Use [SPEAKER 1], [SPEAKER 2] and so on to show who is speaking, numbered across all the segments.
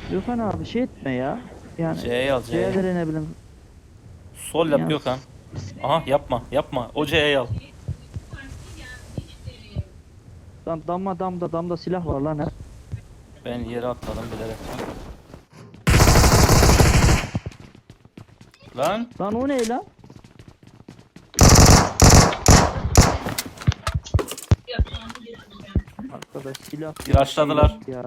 [SPEAKER 1] Gökhan abi şey etme ya. Yani
[SPEAKER 2] C'yi al C'yi.
[SPEAKER 1] C'lere ne bileyim.
[SPEAKER 2] Sol yap
[SPEAKER 1] Ya,
[SPEAKER 2] Gökhan. Aha yapma yapma. O C'yi al.
[SPEAKER 1] damda silah var lan hep.
[SPEAKER 2] Ben yere atladım bilerek. Lan
[SPEAKER 1] Lan o ne lan? Arkadaş silah.
[SPEAKER 2] Bir açladılar.
[SPEAKER 1] Ya.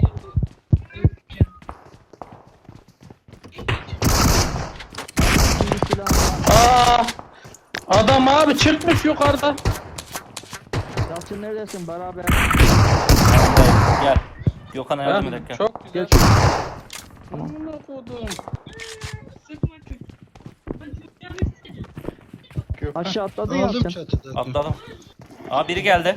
[SPEAKER 1] Şimdi silah var.
[SPEAKER 3] Aa, adam abi çıkmış yukarıda.
[SPEAKER 1] Yalçın neredesin beraber?
[SPEAKER 2] Gel. Gökhan'a yardım
[SPEAKER 3] Ha,
[SPEAKER 2] edelim gel.
[SPEAKER 3] çok güzel.
[SPEAKER 1] Gel şu.
[SPEAKER 3] Amına kodum. Gökhan.
[SPEAKER 1] Aşağı atladı
[SPEAKER 4] Aldım
[SPEAKER 1] Yalçın.
[SPEAKER 4] çatıda.
[SPEAKER 2] Atladım. Aa biri geldi.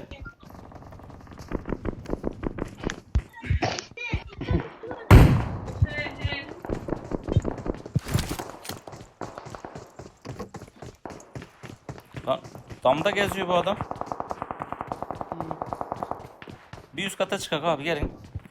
[SPEAKER 2] Lan damda geziyor bu adam. Bir üst kata çıkak abi gelin.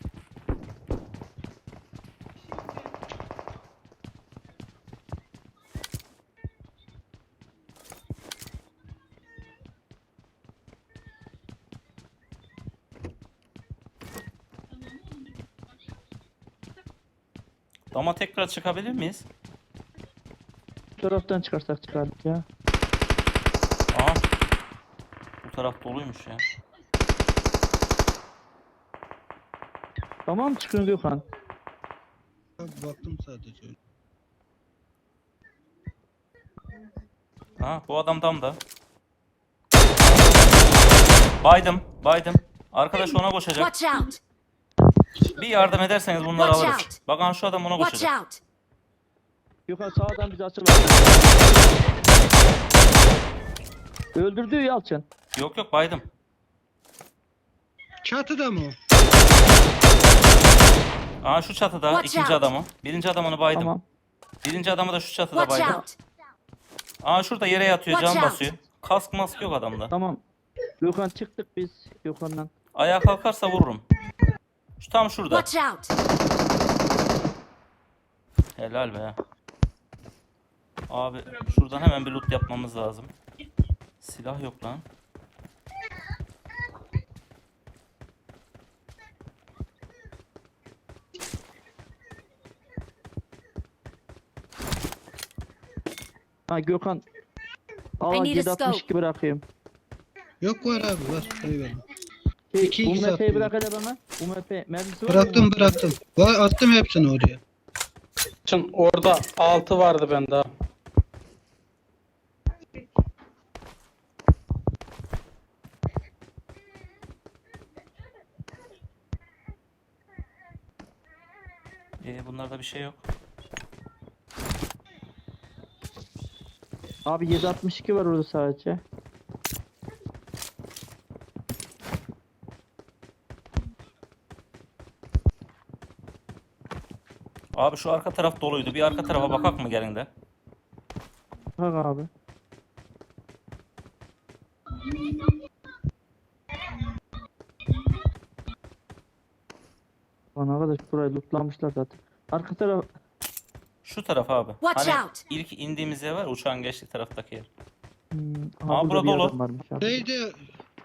[SPEAKER 2] Dama tekrar çıkabilir miyiz?
[SPEAKER 1] Bu taraftan çıkarsak çıkardık ya.
[SPEAKER 2] Aa. Bu taraf doluymuş ya.
[SPEAKER 1] Tamam çıkın Gökhan.
[SPEAKER 4] Baktım sadece.
[SPEAKER 2] Ha bu adam damda. Baydım. Arkadaş ona koşacak.
[SPEAKER 5] Watch out!
[SPEAKER 2] Bir yardım ederseniz bunları
[SPEAKER 5] Watch
[SPEAKER 2] alırız.
[SPEAKER 5] out.
[SPEAKER 2] Bakın şu adam ona
[SPEAKER 5] Watch
[SPEAKER 2] koşacak.
[SPEAKER 5] out!
[SPEAKER 1] Gökhan sağdan bizi açıl. Öldürdü Yalçın.
[SPEAKER 2] Yok baydım.
[SPEAKER 4] Çatıda mı o?
[SPEAKER 2] Aa şu çatıda
[SPEAKER 5] Watch
[SPEAKER 2] ikinci
[SPEAKER 5] out.
[SPEAKER 2] adamı. Birinci adamını baydım.
[SPEAKER 1] Tamam.
[SPEAKER 2] Birinci adamı da şu çatıda
[SPEAKER 5] Watch
[SPEAKER 2] baydım.
[SPEAKER 5] out!
[SPEAKER 2] Aa şurada yere yatıyor
[SPEAKER 5] Watch
[SPEAKER 2] can
[SPEAKER 5] out.
[SPEAKER 2] basıyor. Kask mask yok adamda.
[SPEAKER 1] Tamam. Gökhan çıktık biz Gökhan'dan.
[SPEAKER 2] Ayağa kalkarsa vururum. Şu tam şurada.
[SPEAKER 5] Watch out!
[SPEAKER 2] Helal be. Abi şuradan hemen bir loot yapmamız lazım. Silah yok lan.
[SPEAKER 1] Ha Gökhan. Al
[SPEAKER 5] I need a
[SPEAKER 1] 762 bırakayım.
[SPEAKER 4] Yok var abi var. Eyvallah.
[SPEAKER 1] Şey,
[SPEAKER 4] İki X
[SPEAKER 1] UMP'yi
[SPEAKER 4] attım.
[SPEAKER 1] bırak hele bana. UMP mermisi var mı?
[SPEAKER 4] Bıraktım. Var, attım hepsini oraya.
[SPEAKER 3] Şimdi orada 6 vardı bende abi.
[SPEAKER 2] Bunlarda bir şey yok.
[SPEAKER 1] Abi 762 var orada sadece.
[SPEAKER 2] Abi şu arka taraf doluydu. Bir arka tarafa bakak mı gelin de.
[SPEAKER 1] Bak abi. Lan arkadaş burayı lootlamışlar zaten. Arka taraf
[SPEAKER 2] Şu taraf abi.
[SPEAKER 5] Watch
[SPEAKER 2] Hani
[SPEAKER 5] out.
[SPEAKER 2] ilk indiğimiz yer var. Uçağın geçtiği taraftaki yer.
[SPEAKER 1] aha,
[SPEAKER 2] Aa,
[SPEAKER 1] burada
[SPEAKER 2] burada
[SPEAKER 1] bir
[SPEAKER 2] dolu.
[SPEAKER 1] adam varmış abi.
[SPEAKER 4] Neydi?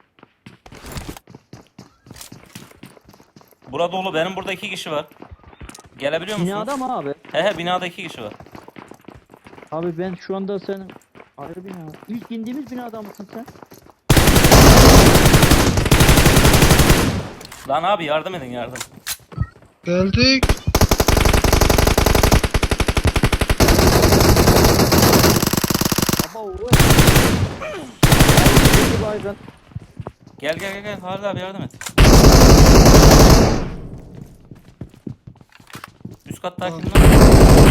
[SPEAKER 2] Burada dolu. Benim burada 2 kişi var. Gelebiliyor musunuz?
[SPEAKER 1] Binada mı abi?
[SPEAKER 2] He binada 2 kişi var.
[SPEAKER 1] Abi ben şu anda senin ayrı bina. İlk indiğimiz binada mısın sen?
[SPEAKER 2] Lan abi yardım edin yardım.
[SPEAKER 4] Geldik.
[SPEAKER 1] Aba o. Baygın.
[SPEAKER 2] Gel. Halil abi yardım et. Üst katta kim lan?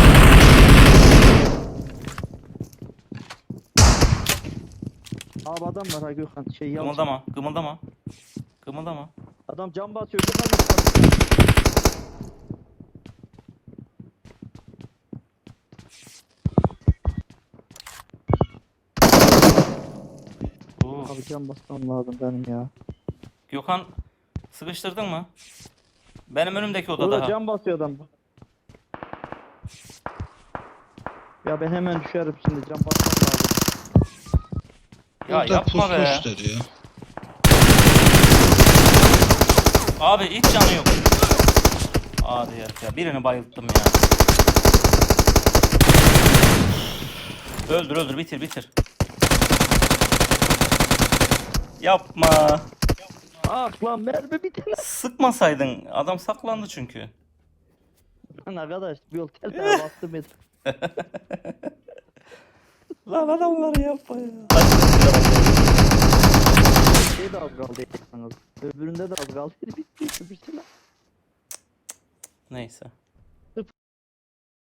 [SPEAKER 1] Abi adam var ha Gökhan şey Yalçın.
[SPEAKER 2] Kımıldama.
[SPEAKER 1] Adam cam basıyor Gökhan.
[SPEAKER 2] Oo.
[SPEAKER 1] Abi cam basmam lazım benim ya.
[SPEAKER 2] Gökhan sıkıştırdın mı? Benim önümdeki odada
[SPEAKER 1] Orada
[SPEAKER 2] ha.
[SPEAKER 1] cam basıyor adam. Ya ben hemen düşerim şimdi, can basmam lazım.
[SPEAKER 2] Ya
[SPEAKER 4] Orada
[SPEAKER 2] yapma be.
[SPEAKER 4] pusmuştur ya.
[SPEAKER 2] Abi hiç canı yok. Hadi ya. Birini bayılttım ya. Öldür bitir. Yapma.
[SPEAKER 1] Ah lan, mermi bitti lan.
[SPEAKER 2] Sıkmasaydın. Adam saklandı çünkü.
[SPEAKER 1] Lan arkadaş, bir yol tel tel bastım et.
[SPEAKER 2] Lan adamları yapma ya.
[SPEAKER 1] Şey de az kaldı yalnız. Öbüründe de az kaldı. Bitti. Bitti lan.
[SPEAKER 2] Neyse.